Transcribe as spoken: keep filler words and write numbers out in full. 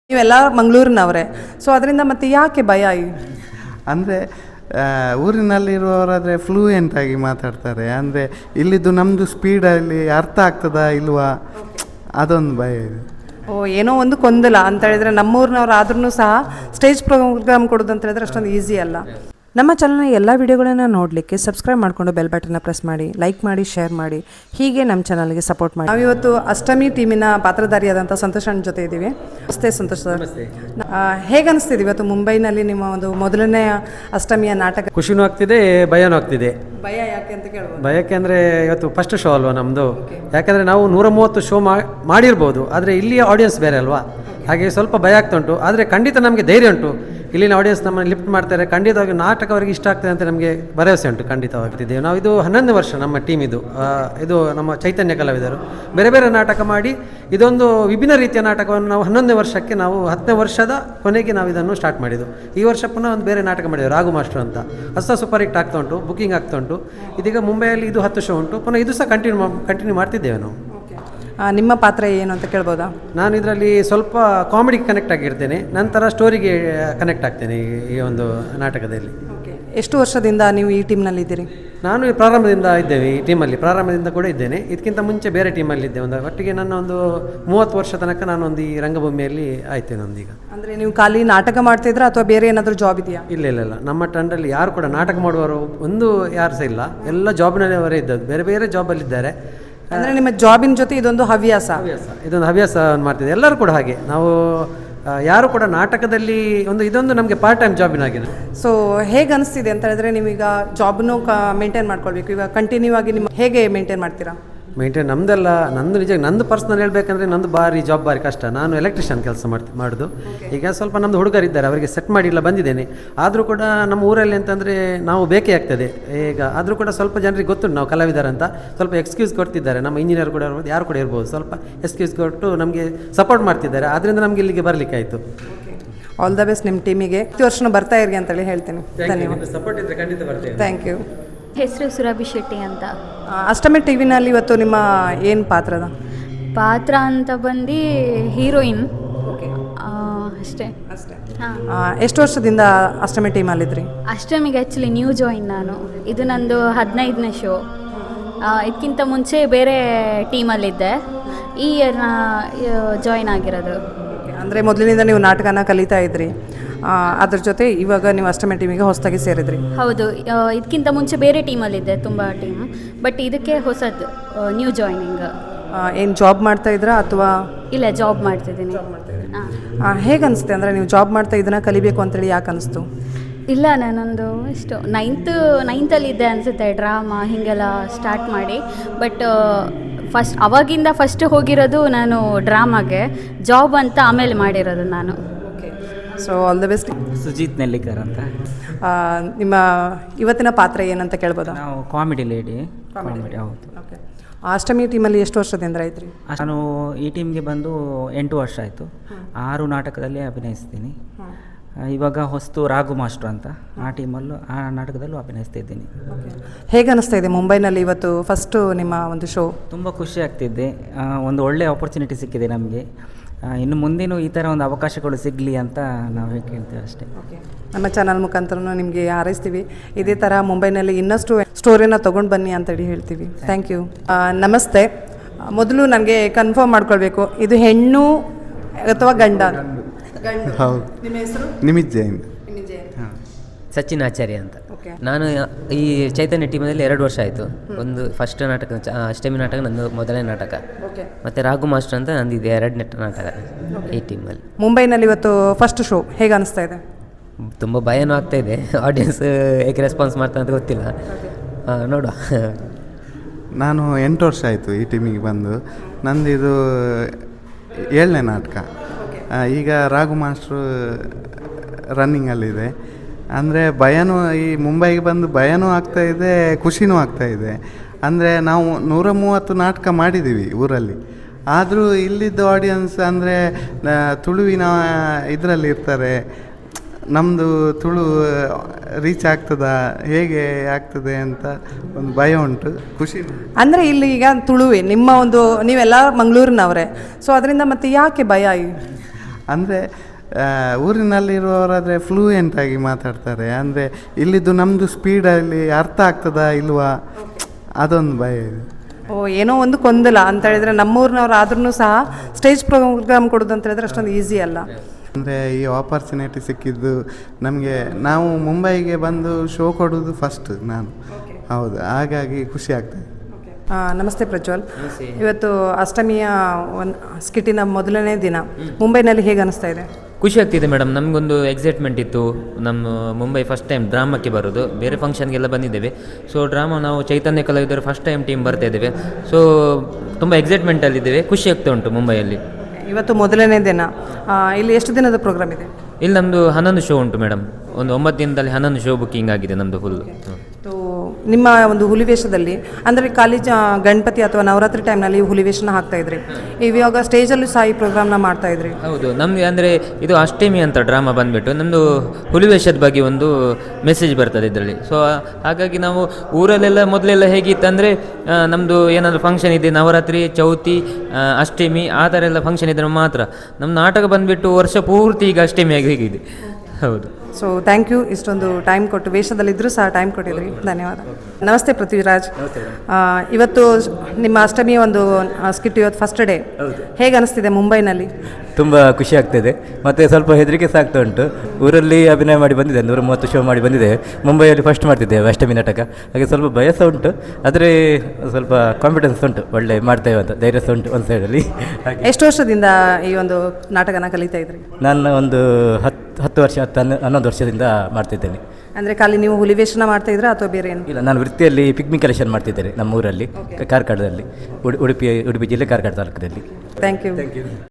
ನೀವೆಲ್ಲ ಮಂಗಳೂರಿನವರೇ, ಸೊ ಅದರಿಂದ ಮತ್ತೆ ಯಾಕೆ ಭಯ? ಅಂದರೆ ಊರಿನಲ್ಲಿರುವವರಾದರೆ ಫ್ಲೂಯೆಂಟ್ ಆಗಿ ಮಾತಾಡ್ತಾರೆ, ಅಂದರೆ ಇಲ್ಲಿದ್ದು ನಮ್ಮದು ಸ್ಪೀಡಲ್ಲಿ ಅರ್ಥ ಆಗ್ತದಾ ಇಲ್ವಾ ಅದೊಂದು ಭಯ ಇದೆ. ಓ, ಏನೋ ಒಂದು ಗೊಂದಲ ಅಂತ ಹೇಳಿದ್ರೆ ನಮ್ಮೂರಿನವ್ರು ಆದ್ರೂ ಸಹ ಸ್ಟೇಜ್ ಪ್ರೋಗ್ರಾಮ್ ಕೊಡೋದು ಅಂತ ಹೇಳಿದ್ರೆ ಅಷ್ಟೊಂದು ಈಸಿ ಅಲ್ಲ. ನಮ್ಮ ಚಾನಲ್ನ ಎಲ್ಲ ವಿಡಿಯೋಗಳನ್ನು ನೋಡಲಿಕ್ಕೆ ಸಬ್ಸ್ಕ್ರೈಬ್ ಮಾಡಿಕೊಂಡು ಬೆಲ್ ಬಟನ್ನ ಪ್ರೆಸ್ ಮಾಡಿ, ಲೈಕ್ ಮಾಡಿ, ಶೇರ್ ಮಾಡಿ, ಹೀಗೆ ನಮ್ಮ ಚಾನಲ್ಗೆ ಸಪೋರ್ಟ್ ಮಾಡಿ. ನಾವಿವತ್ತು ಅಷ್ಟಮಿ ಟೀಮಿನ ಪಾತ್ರಧಾರಿಯಾದಂಥ ಸಂತೋಷ್ ಅಣ್ಣ ಜೊತೆ ಇದ್ದೀವಿ. ನಮಸ್ತೆ ಸಂತೋಷ್ ಸರ್, ಹೇಗೆ ಅನಿಸ್ತಿದೆ ಇವತ್ತು ಮುಂಬೈನಲ್ಲಿ ನಿಮ್ಮ ಒಂದು ಮೊದಲನೆಯ ಅಷ್ಟಮಿಯ ನಾಟಕ? ಖುಷಿನೂ ಆಗ್ತಿದೆ, ಭಯನೂ ಆಗ್ತಿದೆ. ಭಯ ಯಾಕೆ ಅಂತ ಕೇಳ್ಬೋದು? ಭಯಕ್ಕೆ ಅಂದರೆ ಇವತ್ತು ಫಸ್ಟ್ ಶೋ ಅಲ್ವಾ ನಮ್ಮದು, ಯಾಕಂದರೆ ನಾವು ನೂರ ಮೂವತ್ತು ಶೋ ಮಾಡಿರ್ಬೋದು, ಆದರೆ ಇಲ್ಲಿಯ ಆಡಿಯನ್ಸ್ ಬೇರೆ ಅಲ್ವಾ, ಹಾಗೆ ಸ್ವಲ್ಪ ಭಯ ಆಗ್ತಾ ಉಂಟು. ಆದರೆ ಖಂಡಿತ ನಮಗೆ ಧೈರ್ಯ ಉಂಟು, ಇಲ್ಲಿನ ಆಡಿಯನ್ಸ್ ನಮ್ಮನ್ನು ಲಿಫ್ಟ್ ಮಾಡ್ತಾರೆ, ಖಂಡಿತವಾಗಿ ನಾಟಕ ಅವರಿಗೆ ಇಷ್ಟ ಆಗ್ತದೆ ಅಂತ ನಮಗೆ ಭರವಸೆ ಉಂಟು. ಖಂಡಿತವಾಗ್ತಿದ್ದೇವೆ ನಾವು. ಇದು ಹನ್ನೊಂದು ವರ್ಷ ನಮ್ಮ ಟೀಮ್, ಇದು ಇದು ನಮ್ಮ ಚೈತನ್ಯ ಕಲಾವಿದರು ಬೇರೆ ಬೇರೆ ನಾಟಕ ಮಾಡಿ ಇದೊಂದು ವಿಭಿನ್ನ ರೀತಿಯ ನಾಟಕವನ್ನು ನಾವು ಹನ್ನೊಂದನೇ ವರ್ಷಕ್ಕೆ ನಾವು ಹತ್ತನೇ ವರ್ಷದ ಕೊನೆಗೆ ನಾವು ಇದನ್ನು ಸ್ಟಾರ್ಟ್ ಮಾಡಿದ್ದು. ಈ ವರ್ಷ ಪುನಃ ಒಂದು ಬೇರೆ ನಾಟಕ ಮಾಡಿದ್ದೇವೆ, ರಾಘು ಮಾಸ್ಟರ್ ಅಂತ. ಹೊಸ ಸೂಪರ್ ಹಿಟ್ ಆಗ್ತಾ ಉಂಟು, ಬುಕ್ಕಿಂಗ್ ಆಗ್ತಾ ಉಂಟು. ಇದೀಗ ಮುಂಬೈಯಲ್ಲಿ ಇದು ಹತ್ತು ಶೋ ಉಂಟು, ಪುನಃ ಇದು ಸಹ ಕಂಟಿನ್ಯೂ ಕಂಟಿನ್ಯೂ ಮಾಡ್ತಿದ್ದೇವೆ ನಾವು. ನಿಮ್ಮ ಪಾತ್ರ ಏನು ಅಂತ ಕೇಳ್ಬೋದಾ? ನಾನು ಇದರಲ್ಲಿ ಸ್ವಲ್ಪ ಕಾಮಿಡಿಗೆ ಕನೆಕ್ಟ್ ಆಗಿರ್ತೇನೆ, ನಂತರ ಸ್ಟೋರಿಗೆ ಕನೆಕ್ಟ್ ಆಗ್ತೇನೆ ಈ ಒಂದು ನಾಟಕದಲ್ಲಿ. ಎಷ್ಟು ವರ್ಷದಿಂದ ನೀವು ಈ ಟೀಮ್ನಲ್ಲಿ ಇದ್ದೀರಿ? ನಾನು ಈ ಪ್ರಾರಂಭದಿಂದ ಇದ್ದೇವೆ ಈ ಟೀಮಲ್ಲಿ, ಪ್ರಾರಂಭದಿಂದ ಕೂಡ ಇದ್ದೇನೆ. ಇದಕ್ಕಿಂತ ಮುಂಚೆ ಬೇರೆ ಟೀಮಲ್ಲಿ ಇದ್ದೆ. ಒಂದು ಒಟ್ಟಿಗೆ ನನ್ನ ಒಂದು ಮೂವತ್ತು ವರ್ಷ ತನಕ ನಾನು ಒಂದು ಈ ರಂಗಭೂಮಿಯಲ್ಲಿ ಆಯ್ತೇನೆ ಒಂದೀಗ. ಅಂದರೆ ನೀವು ಖಾಲಿ ನಾಟಕ ಮಾಡ್ತಿದ್ರಾ ಅಥವಾ ಬೇರೆ ಏನಾದರೂ ಜಾಬ್ ಇದೆಯಾ? ಇಲ್ಲ ಇಲ್ಲ ಇಲ್ಲ, ನಮ್ಮ ತಂಡದಲ್ಲಿ ಯಾರು ಕೂಡ ನಾಟಕ ಮಾಡುವವರು ಒಂದು ಯಾರು ಸಹ ಇಲ್ಲ, ಎಲ್ಲ ಜಾಬ್ನಲ್ಲಿ ಅವರೇ ಇದ್ದದ್ದು, ಬೇರೆ ಬೇರೆ ಜಾಬಲ್ಲಿದ್ದಾರೆ. ಅಂದರೆ ನಿಮ್ಮ ಜಾಬಿನ ಜೊತೆ ಇದೊಂದು ಹವ್ಯಾಸ ಹವ್ಯಾಸ ಇದೊಂದು ಹವ್ಯಾಸ ಮಾಡ್ತಿದ್ದೆ. ಎಲ್ಲರೂ ಕೂಡ ಹಾಗೆ, ನಾವು ಯಾರು ಕೂಡ ನಾಟಕದಲ್ಲಿ ಒಂದು ಇದೊಂದು ನಮಗೆ ಪಾರ್ಟ್ ಟೈಮ್ ಜಾಬಿನಾಗಿದೆ. ಸೊ ಹೇಗೆ ಅನಿಸ್ತಿದೆ ಅಂತ ಹೇಳಿದ್ರೆ ನೀವೀಗ ಜಾಬ್ನು ಕ ಮೇಂಟೈನ್ ಮಾಡ್ಕೊಳ್ಬೇಕು, ಇವಾಗ ಕಂಟಿನ್ಯೂ ಆಗಿ ನಿಮ್ಮ ಹೇಗೆ ಮೇಂಟೈನ್ ಮಾಡ್ತೀರಾ? ಮೇಂಟೈನ್ ನಮ್ಮದೆಲ್ಲ, ನಂದು ನಿಜ ನಂದು ಪರ್ಸ್ನಲ್ ಹೇಳಬೇಕಂದ್ರೆ ನಂದು ಭಾರಿ ಜಾಬ್ ಭಾರಿ ಕಷ್ಟ. ನಾನು ಎಲೆಕ್ಟ್ರಿಷಿಯನ್ ಕೆಲಸ ಮಾಡ್ತಿ ಮಾಡೋದು ಈಗ ಸ್ವಲ್ಪ ನಮ್ಮದು ಹುಡುಗರಿದ್ದಾರೆ, ಅವರಿಗೆ ಸೆಟ್ ಮಾಡಿಲ್ಲ ಬಂದಿದ್ದೇನೆ. ಆದರೂ ಕೂಡ ನಮ್ಮ ಊರಲ್ಲಿ ಅಂತಂದರೆ ನಾವು ಬೇಕೇ ಆಗ್ತದೆ ಈಗ. ಆದರೂ ಕೂಡ ಸ್ವಲ್ಪ ಜನರಿಗೆ ಗೊತ್ತುಂಟು ನಾವು ಕಲಾವಿದರಂತ, ಸ್ವಲ್ಪ ಎಕ್ಸ್ಕ್ಯೂಸ್ ಕೊಡ್ತಿದ್ದಾರೆ. ನಮ್ಮ ಇಂಜಿನಿಯರ್ ಕೂಡ ಇರ್ಬೋದು, ಯಾರು ಕೂಡ ಇರ್ಬೋದು, ಸ್ವಲ್ಪ ಎಕ್ಸ್ಕ್ಯೂಸ್ ಕೊಟ್ಟು ನಮಗೆ ಸಪೋರ್ಟ್ ಮಾಡ್ತಿದ್ದಾರೆ. ಆದ್ದರಿಂದ ನಮಗೆ ಇಲ್ಲಿಗೆ ಬರಲಿಕ್ಕೆ ಆಯಿತು. ಆಲ್ ದ ಬೆಸ್ಟ್ ನಿಮ್ಮ ಟೀಮಿಗೆ. ಪ್ರತಿ ವರ್ಷನೂ ಬರ್ತಾ ಇರಿ ಅಂತೇಳಿ ಹೇಳ್ತೀನಿ. ಧನ್ಯವಾದ. ಸಪೋರ್ಟ್ ಇದ್ದರೆ ಖಂಡಿತ ಬರ್ತೇವೆ. Thank you. ಹೆಸರು ಸುರಭಿ ಶೆಟ್ಟಿ ಅಂತ. ಅಷ್ಟಮಿ ಟಿ ವಿನಲ್ಲಿ ಇವತ್ತು ನಿಮ್ಮ ಏನು ಪಾತ್ರದ ಪಾತ್ರ ಅಂತ ಬಂದು ಹೀರೋಯಿನ್. ಓಕೆ, ಅಷ್ಟೇ ಅಷ್ಟೇ. ಹಾಂ, ಎಷ್ಟು ವರ್ಷದಿಂದ ಅಷ್ಟಮಿ ಟೀಮಲ್ಲಿದ್ರಿ? ಅಷ್ಟಮಿಗೆ ಆ್ಯಕ್ಚುಲಿ ನ್ಯೂ ಜಾಯಿನ್ ನಾನು. ಇದು ನಂದು ಹದಿನೈದನೇ ಶೋ. ಇದಕ್ಕಿಂತ ಮುಂಚೆ ಬೇರೆ ಟೀಮಲ್ಲಿದ್ದೆ, ಈ ಇಯರ್ ನಾ ಜಾಯಿನ್ ಆಗಿರೋದು. ಅಂದರೆ ಮೊದಲಿನಿಂದ ನೀವು ನಾಟಕನ ಕಲಿತಾ ಇದ್ರಿ, ಅದ್ರ ಜೊತೆ ಇವಾಗ ನೀವು ಅಷ್ಟಮಿ ಟೀಮಿಗೆ ಹೊಸದಾಗಿ ಸೇರಿದ್ರಿ? ಹೌದು, ಇದಕ್ಕಿಂತ ಮುಂಚೆ ಬೇರೆ ಟೀಮಲ್ಲಿದ್ದೆ, ತುಂಬ ಟೀಮ್, ಬಟ್ ಇದಕ್ಕೆ ಹೊಸದು ನ್ಯೂ ಜಾಯ್ನಿಂಗ್. ಏನು ಜಾಬ್ ಮಾಡ್ತಾ ಇದ್ರಾ ಅಥವಾ? ಇಲ್ಲ, ಜಾಬ್ ಮಾಡ್ತಿದ್ದೀನಿ. ಹಾಂ, ಹೇಗೆ ಅನಿಸುತ್ತೆ ಅಂದರೆ ನೀವು ಜಾಬ್ ಮಾಡ್ತಾ ಇದನ್ನ ಕಲಿಬೇಕು ಅಂತೇಳಿ ಯಾಕೆ ಅನಿಸ್ತು? ಇಲ್ಲ, ನಾನೊಂದು ಇಷ್ಟು ನೈನ್ತ್ ನೈನ್ತಲ್ಲಿದ್ದೆ ಅನಿಸುತ್ತೆ, ಡ್ರಾಮಾ ಹೀಗೆಲ್ಲ ಸ್ಟಾರ್ಟ್ ಮಾಡಿ. ಬಟ್ ಫಸ್ಟ್ ಅವಾಗಿಂದ ಫಸ್ಟ್ ಹೋಗಿರೋದು ನಾನು ಡ್ರಾಮಾಗೆ, ಜಾಬ್ ಅಂತ ಆಮೇಲೆ ಮಾಡಿರೋದು ನಾನು. So all the best. Sujith Nellikar ಅಂತ. ನಿಮ್ಮ ಇವತ್ತಿನ ಪಾತ್ರ ಏನಂತ ಕೇಳ್ಬೋದಾ? ನಾವು ಕಾಮಿಡಿ ಲೇಡಿ. ಕಾಮಿಡಿ, ಹೌದು. ಓಕೆ. ಅಷ್ಟಮಿ ಟೀಮಲ್ಲಿ ಎಷ್ಟು ವರ್ಷದಿಂದ ಇದ್ರಿ? ನಾನು ಈ ಟೀಮ್ಗೆ ಬಂದು ಎಂಟು ವರ್ಷ ಆಯಿತು. ಆರು ನಾಟಕದಲ್ಲಿ ಅಭಿನಯಿಸ್ತೀನಿ. ಇವಾಗ ಹೊಸ್ತು ರಾಘು ಮಾಸ್ಟರ್ ಅಂತ, ಆ ಟೀಮಲ್ಲೂ ಆ ನಾಟಕದಲ್ಲೂ ಅಭಿನಯಿಸ್ತಾ ಇದ್ದೀನಿ. ಹೇಗೆ ಅನಿಸ್ತಾ ಇದೆ ಮುಂಬೈನಲ್ಲಿ ಇವತ್ತು ಫಸ್ಟು ನಿಮ್ಮ ಒಂದು ಶೋ? ತುಂಬ ಖುಷಿ ಆಗ್ತಿದ್ದೆ, ಒಂದು ಒಳ್ಳೆಯ ಆಪರ್ಚುನಿಟಿ ಸಿಕ್ಕಿದೆ ನಮಗೆ. ಇನ್ನು ಮುಂದೇನು ಈ ಥರ ಒಂದು ಅವಕಾಶಗಳು ಸಿಗಲಿ ಅಂತ ನಾವು ಕೇಳ್ತೇವೆ ಅಷ್ಟೇ. ನಮ್ಮ ಚಾನಲ್ ಮುಖಾಂತರ ನಿಮಗೆ ಹಾರೈಸ್ತೀವಿ, ಇದೇ ಥರ ಮುಂಬೈನಲ್ಲಿ ಇನ್ನಷ್ಟು ಸ್ಟೋರಿನ ತೊಗೊಂಡು ಬನ್ನಿ ಅಂತೇಳಿ ಹೇಳ್ತೀವಿ. Thank you. ನಮಸ್ತೆ. ಮೊದಲು ನನಗೆ ಕನ್ಫರ್ಮ್ ಮಾಡ್ಕೊಳ್ಬೇಕು, ಇದು ಹೆಣ್ಣು ಅಥವಾ ಗಂಡ? ಗಂಡು. ಹೌದು. ನಿಮ್ಮ ಹೆಸರು? ನಿಮಿತ್ ಜೈನ್. ಸಚಿನ್ ಆಚಾರ್ಯ ಅಂತ. ಓಕೆ. ನಾನು ಈ ಚೈತನ್ಯ ಟೀಮಲ್ಲಿ ಎರಡು ವರ್ಷ ಆಯಿತು. ಒಂದು ಫಸ್ಟ್ ನಾಟಕ ಅಷ್ಟಮಿ ನಾಟಕ ನಂದು ಮೊದಲನೇ ನಾಟಕ, ಓಕೆ. ಮತ್ತು ರಾಘು ಮಾಸ್ಟರ್ ಅಂತ ನಂದಿದೆ ಎರಡನೇ ನಾಟಕ ಈ ಟೀಮಲ್ಲಿ. ಮುಂಬೈನಲ್ಲಿ ಇವತ್ತು ಫಸ್ಟ್ ಶೋ ಹೇಗೆ ಅನಿಸ್ತಾ ಇದೆ? ತುಂಬ ಭಯನೂ ಆಗ್ತಾ ಇದೆ, ಆಡಿಯನ್ಸ್ ಹೇಗೆ ರೆಸ್ಪಾನ್ಸ್ ಮಾಡ್ತಾರೆ ಅಂತ ಗೊತ್ತಿಲ್ಲ, ನೋಡುವ. ನಾನು ಎಂಟು ವರ್ಷ ಆಯಿತು ಈ ಟೀಮಿಗೆ ಬಂದು. ನಂದು ಇದು ಏಳನೇ ನಾಟಕ. ಈಗ ರಾಘು ಮಾಸ್ಟ್ರು ರನ್ನಿಂಗಲ್ಲಿದೆ. ಅಂದರೆ ಭಯನೂ, ಈ ಮುಂಬೈಗೆ ಬಂದು ಭಯನೂ ಆಗ್ತಾಯಿದೆ, ಖುಷಿನೂ ಆಗ್ತಾಯಿದೆ. ಅಂದರೆ ನಾವು ನೂರ ಮೂವತ್ತು ನಾಟಕ ಮಾಡಿದ್ದೀವಿ ಊರಲ್ಲಿ, ಆದರೂ ಇಲ್ಲಿದ್ದ ಆಡಿಯನ್ಸ್ ಅಂದರೆ ತುಳುವಿನ ಇದರಲ್ಲಿ ಇರ್ತಾರೆ. ನಮ್ಮದು ತುಳು ರೀಚ್ ಆಗ್ತದಾ, ಹೇಗೆ ಆಗ್ತದೆ ಅಂತ ಒಂದು ಭಯ ಉಂಟು, ಖುಷಿ. ಅಂದರೆ ಇಲ್ಲಿ ಈಗ ತುಳುವೆ ನಿಮ್ಮ ಒಂದು, ನೀವೆಲ್ಲ ಮಂಗಳೂರಿನವರೇ, ಸೊ ಅದರಿಂದ ಮತ್ತೆ ಯಾಕೆ ಭಯ? ಅಂದರೆ ಊರಿನಲ್ಲಿರುವವರಾದರೆ ಫ್ಲೂಯೆಂಟ್ ಆಗಿ ಮಾತಾಡ್ತಾರೆ, ಅಂದರೆ ಇಲ್ಲಿದ್ದು ನಮ್ಮದು ಸ್ಪೀಡಲ್ಲಿ ಅರ್ಥ ಆಗ್ತದಾ ಇಲ್ವಾ ಅದೊಂದು ಭಯ ಇದೆ. ಓ ಏನೋ ಒಂದು ಗೊಂದಲ ಅಂತ ಹೇಳಿದ್ರೆ ನಮ್ಮೂರಿನವ್ರು ಆದ್ರೂ ಸಹ ಸ್ಟೇಜ್ ಪ್ರೋಗ್ರಾಮ್ ಕೊಡೋದು ಅಂತ ಹೇಳಿದ್ರೆ ಅಷ್ಟೊಂದು ಈಸಿ ಅಲ್ಲ. ಅಂದರೆ ಈ ಆಪರ್ಚುನಿಟಿ ಸಿಕ್ಕಿದ್ದು ನಮಗೆ, ನಾವು ಮುಂಬೈಗೆ ಬಂದು ಶೋ ಕೊಡೋದು ಫಸ್ಟ್ ನಾನು, ಹೌದು, ಹಾಗಾಗಿ ಖುಷಿ ಆಗ್ತದೆ. ಆ, ನಮಸ್ತೆ ಪ್ರಜ್ವಲ್. ಇವತ್ತು ಅಷ್ಟಮಿಯ ಒಂದು ಸ್ಕಿಟ್ಟಿನ ಮೊದಲನೇ ದಿನ ಮುಂಬೈನಲ್ಲಿ ಹೇಗೆ ಅನಿಸ್ತಾ ಇದೆ? ಖುಷಿ ಆಗ್ತಿದೆ ಮೇಡಮ್. ನಮಗೊಂದು ಎಕ್ಸೈಟ್ಮೆಂಟ್ ಇತ್ತು, ನಮ್ಮ ಮುಂಬೈ ಫಸ್ಟ್ ಟೈಮ್ ಡ್ರಾಮಕ್ಕೆ ಬರೋದು. ಬೇರೆ ಫಂಕ್ಷನ್ಗೆಲ್ಲ ಬಂದಿದ್ದೇವೆ. ಸೊ ಡ್ರಾಮಾ ನಾವು ಚೈತನ್ಯ ಕಲಾವಿದರು ಫಸ್ಟ್ ಟೈಮ್ ಟೀಮ್ ಬರ್ತಾ ಇದ್ದೇವೆ. ಸೊ ತುಂಬ ಎಕ್ಸೈಟ್ಮೆಂಟಲ್ಲಿದ್ದೇವೆ, ಖುಷಿ ಆಗ್ತಾ ಉಂಟು ಮುಂಬೈಯಲ್ಲಿ. ಇವತ್ತು ಮೊದಲನೇ ದಿನ. ಆ, ಇಲ್ಲಿ ಎಷ್ಟು ದಿನದ ಪ್ರೋಗ್ರಾಮ್ ಇದೆ? ಇಲ್ಲಿ ನಮ್ಮದು ಹನ್ನೊಂದು ಶೋ ಉಂಟು ಮೇಡಮ್. ಒಂದು ಒಂಬತ್ತು ದಿನದಲ್ಲಿ ಹನ್ನೊಂದು ಶೋ ಬುಕ್ಕಿಂಗ್ ಆಗಿದೆ ನಮ್ಮದು ಫುಲ್. ನಿಮ್ಮ ಒಂದು ಹುಲಿವೇಷದಲ್ಲಿ ಅಂದರೆ ಖಾಲಿ ಜ ಗಣಪತಿ ಅಥವಾ ನವರಾತ್ರಿ ಟೈಮ್ನಲ್ಲಿ ಹುಲಿವೇಷನ ಹಾಕ್ತಾ ಇದ್ರಿ, ಇವಾಗ ಸ್ಟೇಜಲ್ಲೂ ಸಹ ಈ ಪ್ರೋಗ್ರಾಮ್ನ ಮಾಡ್ತಾ ಇದ್ರಿ. ಹೌದು, ನಮಗೆ ಅಂದರೆ ಇದು ಅಷ್ಟಮಿ ಅಂತ ಡ್ರಾಮಾ ಬಂದುಬಿಟ್ಟು ನಮ್ಮದು ಹುಲಿವೇಷದ ಬಗ್ಗೆ ಒಂದು ಮೆಸೇಜ್ ಬರ್ತದೆ ಇದರಲ್ಲಿ. ಸೊ ಹಾಗಾಗಿ ನಾವು ಊರಲ್ಲೆಲ್ಲ ಮೊದಲೆಲ್ಲ ಹೇಗಿತ್ತಂದರೆ ನಮ್ಮದು ಏನಾದರೂ ಫಂಕ್ಷನ್ ಇದೆ, ನವರಾತ್ರಿ, ಚೌತಿ, ಅಷ್ಟಮಿ ಆ ಥರ ಎಲ್ಲ ಫಂಕ್ಷನ್ ಇದ್ದರೆ ಮಾತ್ರ. ನಮ್ಮ ನಾಟಕ ಬಂದುಬಿಟ್ಟು ವರ್ಷ ಪೂರ್ತಿ ಈಗ ಅಷ್ಟಮಿಯಾಗಿ ಹೇಗಿದೆ. ಹೌದು. ಸೊ ಥ್ಯಾಂಕ್ ಯು, ಇಷ್ಟೊಂದು ಟೈಮ್ ಕೊಟ್ಟು ವೇಷದಲ್ಲಿದ್ದರೂ ಸಹ ಟೈಮ್ ಕೊಟ್ಟಿದ್ರಿ, ಧನ್ಯವಾದ. ನಮಸ್ತೆ ಪೃಥ್ವಿರಾಜ್. ಆ, ಇವತ್ತು ನಿಮ್ಮ ಅಷ್ಟಮಿ ಒಂದು ಸ್ಕಿಟ್ ಇವತ್ತು ಫಸ್ಟ್ ಡೇ, ಹೇಗೆ ಅನಿಸ್ತಿದೆ ಮುಂಬೈನಲ್ಲಿ? ತುಂಬ ಖುಷಿ ಆಗ್ತಾಯಿದೆ ಮತ್ತು ಸ್ವಲ್ಪ ಹೆದರಿಕೆ ಸಹ ಆಗ್ತಾ ಉಂಟು. ಊರಲ್ಲಿ ಅಭಿನಯ ಮಾಡಿ ಬಂದಿದೆ, ನೂರ ಮೂವತ್ತು ಶೋ ಮಾಡಿ ಬಂದಿದೆ. ಮುಂಬೈಯಲ್ಲಿ ಫಸ್ಟ್ ಮಾಡ್ತಿದ್ದೇವೆ ಅಷ್ಟಮಿ ನಾಟಕ, ಹಾಗೆ ಸ್ವಲ್ಪ ಭಯ ಸಹ ಉಂಟು, ಆದರೆ ಸ್ವಲ್ಪ ಕಾನ್ಫಿಡೆನ್ಸ್ ಉಂಟು, ಒಳ್ಳೆ ಮಾಡ್ತೇವೆ ಅಂತ ಧೈರ್ಯ ಸಹ ಉಂಟು ಒಂದು ಸೈಡಲ್ಲಿ. ಎಷ್ಟು ವರ್ಷದಿಂದ ಈ ಒಂದು ನಾಟಕನ ಕಲಿತಾ ಇದ್ರಿ? ನಾನು ಒಂದು ಹತ್ತು ಹತ್ತು ವರ್ಷ ಹತ್ತು ಹನ್ನ ಹನ್ನೊಂದು ವರ್ಷದಿಂದ ಮಾಡ್ತಿದ್ದೇನೆ. ಅಂದರೆ ಖಾಲಿ ನೀವು ಹುಲಿವೇಷನ ಮಾಡ್ತಾ ಇದ್ರಾ ಅಥವಾ ಬೇರೆ ಏನು? ಇಲ್ಲ, ನಾನು ವೃತ್ತಿಯಲ್ಲಿ ಪಿಗ್ಮಿ ಕಲೆಕ್ಷನ್ ಮಾಡ್ತಿದ್ದೇನೆ ನಮ್ಮ ಊರಲ್ಲಿ, ಕಾರ್ಕಳದಲ್ಲಿ, ಉಡುಪಿ ಉಡುಪಿ ಜಿಲ್ಲೆ ಕಾರ್ಕಳ ತಾಲೂಕಿನಲ್ಲಿ. Thank you.